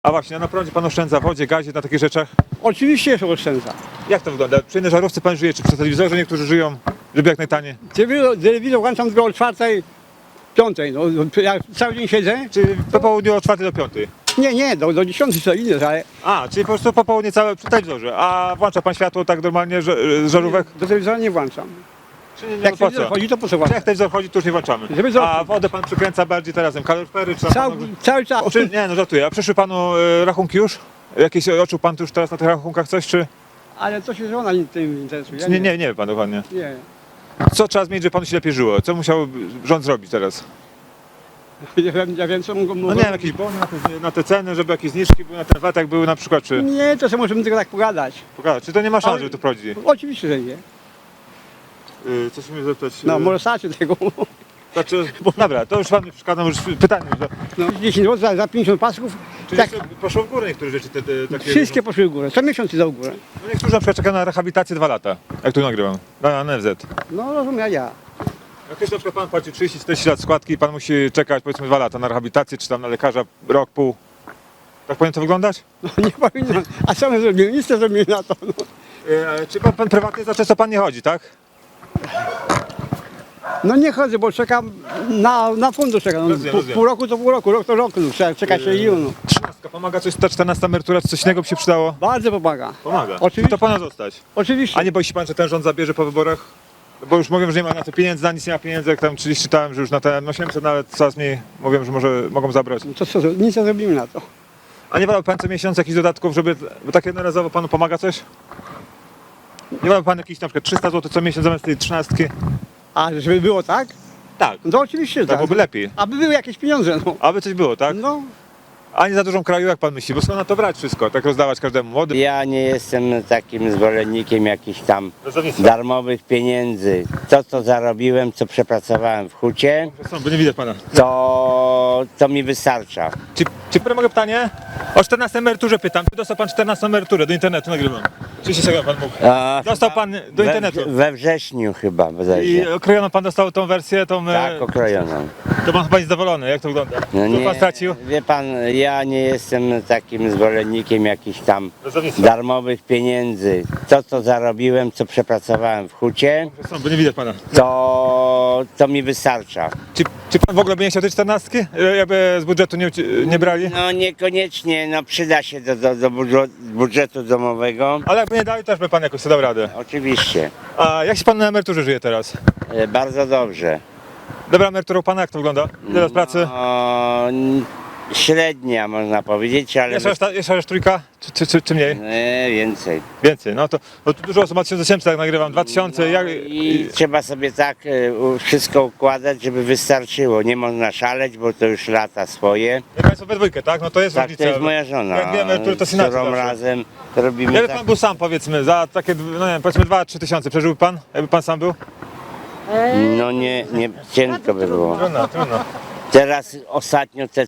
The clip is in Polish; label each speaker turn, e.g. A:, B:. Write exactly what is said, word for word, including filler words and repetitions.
A: A właśnie, a na prądzie pan oszczędza, w wodzie, gazie, na takich rzeczach?
B: Oczywiście się oszczędza.
A: Jak to wygląda? Przy jednej żarówce pan żyje, czy przy telewizorze niektórzy żyją, żeby jak najtaniej?
B: Telewizor, telewizor włączam tylko o czwartej, piątej. No, ja cały dzień siedzę.
A: Czy po południu od czwartej do piątej?
B: Nie, nie, do, do dziesiątej co inne, ale
A: A, czyli po prostu po południu całe przy telewizorze. A włącza pan światło tak normalnie że- z żarówek?
B: do telewizora nie włączam.
A: Czy nie, nie,
B: Jak
A: po
B: telewizor
A: co?
B: chodzi, to po co
A: Czy
B: włączam?
A: jak telewizor chodzi, to już nie włączamy.
B: Żeby za-
A: A wodę pan przykręca bardziej teraz kaloryfery, czy tam
B: Cały,
A: panu...
B: cały czas.
A: Czy, nie, no żartuję. A przyszły panu e, rachunki już? Jakieś odczuł pan tu już teraz na tych rachunkach coś, czy...
B: Ale to się żona tym interesuje.
A: czy nie, nie, nie wie pan dokładnie.
B: Nie.
A: Co trzeba zmienić, żeby panu się lepiej żyło? Co musiał rząd zrobić teraz?
B: Ja wiem, ja wiem co mogą.
A: No nie wiem, jakieś bony na te, na te ceny, żeby jakieś zniżki były na ten V A T, jak były na przykład, czy...
B: Nie, to sobie możemy tylko tak pogadać.
A: Pokazać, czy to nie ma szans,
B: Ale-
A: żeby to wprowadzić?
B: Oczywiście, że nie.
A: Yy, coś mi zapytać.
B: No,
A: yy,
B: może starczy tego.
A: Znaczy, dobra, to już pan mi przeszkadza, już pytanie. Że,
B: No, dziesięć złotych za, za pięćdziesiąt pasków.
A: czy
B: Tak,
A: jeszcze poszło w górę niektóre rzeczy, te, te, takie...
B: wszystkie poszły w górę. Co miesiąc idą w górę.
A: No niektórzy na przykład czekają na rehabilitację dwa lata, jak tu nagrywam, na, na N F Z.
B: No rozumiem, ja.
A: Jak ktoś na przykład pan płaci trzydzieści czterdzieści lat składki i pan musi czekać powiedzmy dwa lata na rehabilitację, czy tam na lekarza rok, pół. Tak powinno to wyglądać?
B: No nie powinno. A co my zrobimy? Nic nie zrobimy na to. No,
A: Yy, czy pan, pan prywatnie za często pan nie chodzi, tak?
B: no nie chodzę, bo czekam na, na fundusz. Czekam. No,
A: Rozumiem,
B: pół,
A: rozumiem.
B: pół roku to pół roku, rok to rok. No, trzeba czekać się i no.
A: Trzynastka, pomaga coś, ta czternasta emerytura, czy coś innego by się przydało?
B: Bardzo pomaga.
A: Pomaga.
B: Oczywiście.
A: To pana zostać.
B: Oczywiście.
A: A nie boi się pan, że ten rząd zabierze po wyborach? Bo już mówią, że nie ma na to pieniędzy, na nic nie ma pieniędzy, jak tam kiedyś czytałem, że już na ten osiemset nawet coraz mniej mówią, że może mogą zabrać.
B: No to co, nic nie zrobimy na to.
A: A nie wolał pan co miesiąc jakichś dodatków, żeby, bo tak jednorazowo panu pomaga coś? Nie wolał pan jakiś na przykład trzysta złotych co miesiąc zamiast tej trzynastki?
B: A żeby było tak?
A: Tak,
B: No to oczywiście, że
A: tak
B: tak.
A: byłoby lepiej.
B: Aby były jakieś pieniądze, no.
A: Aby coś było, tak?
B: No,
A: A nie za dużą kraju, jak pan myśli, bo skąd na to brać wszystko, tak rozdawać każdemu młodym?
C: Ja nie jestem takim zwolennikiem jakichś tam
A: Rozdawnictwa.
C: darmowych pieniędzy. To, co zarobiłem, co przepracowałem w hucie,
A: Są, bo nie widać pana.
C: to, to mi wystarcza.
A: Czy, czy mogę pytanie? O czternastej emeryturze pytam. Czy dostał pan czternastą emeryturę? Do internetu nagrywam. trzydzieści sekund pan mógł.
C: A,
A: Dostał pan do
C: we,
A: internetu.
C: we wrześniu chyba
A: I
C: bodajże.
A: okrojoną pan dostał tą wersję, tą... e,
C: Tak, okrojoną.
A: To pan chyba jest zadowolony, jak to wygląda?
C: No
A: Co pan stracił?
C: wie pan, ja nie jestem takim zwolennikiem jakichś tam
A: Rozdawnictwa.
C: darmowych pieniędzy. To, co zarobiłem, co przepracowałem w hucie,
A: Są, bo nie widać pana.
C: to, to mi wystarcza.
A: Czy, czy pan w ogóle by nie chciał tej czternastki? E, Jakby z budżetu nie, uci- nie brali?
C: No niekoniecznie, no przyda się do, do, do budżu- budżetu domowego.
A: Ale jakby nie dali, też by pan jakoś sobie dał radę.
C: Oczywiście,
A: A jak się pan na emeryturze żyje teraz?
C: e, bardzo dobrze.
A: Dobra emerytura u pana, jak to wygląda? Ile lat pracy?
C: No, n- średnia można powiedzieć, ale
A: Jeszcze raz, ta- jeszcze raz trójka? Czy, czy, czy, czy mniej?
C: e, więcej.
A: Więcej, no to no tu dużo osób ma tysiąc osiemset, tak nagrywam, dwa tysiące, jak...
C: I trzeba sobie tak e, u- wszystko układać, żeby wystarczyło. Nie można szaleć, bo to już lata swoje.
A: Jak państwo we dwójkę, tak? No to jest
C: Tak,
A: różnica.
C: to jest moja żona.
A: Jak dwie emerytury, to
C: z
A: synacja
C: którą
A: zawsze.
C: razem robimy
A: Jakby
C: tak.
A: pan był sam, powiedzmy, za takie, no nie wiem, powiedzmy dwa trzy tysiące, przeżyłby pan? Jakby pan sam był?
C: No nie, nie cienko by było.
A: Trudno, trudno.
C: Teraz ostatnio te